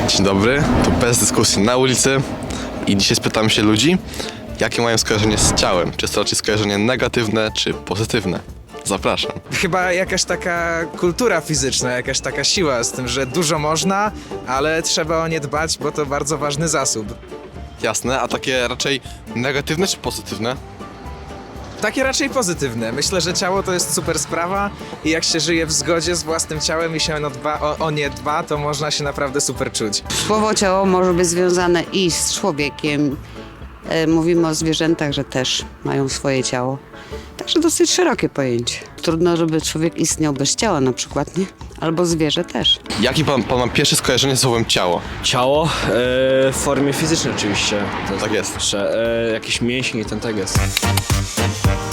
Dzień dobry, to bez dyskusji na ulicy i dzisiaj spytam się ludzi, jakie mają skojarzenie z ciałem. Czy jest to raczej skojarzenie negatywne, czy pozytywne? Zapraszam. Chyba jakaś taka kultura fizyczna, jakaś taka siła z tym, że dużo można, ale trzeba o nie dbać, bo to bardzo ważny zasób. Jasne, a takie raczej negatywne, czy pozytywne? Takie raczej pozytywne. Myślę, że ciało to jest super sprawa i jak się żyje w zgodzie z własnym ciałem i się o nie dba, to można się naprawdę super czuć. Słowo ciało może być związane i z człowiekiem. Mówimy o zwierzętach, że też mają swoje ciało. Także dosyć szerokie pojęcie. Trudno, żeby człowiek istniał bez ciała na przykład, nie? Albo zwierzę też. Jaki pan ma pierwsze skojarzenie z słowem ciało? Ciało w formie fizycznej oczywiście. Tak jest. Że jakiś mięsień i ten tak jest.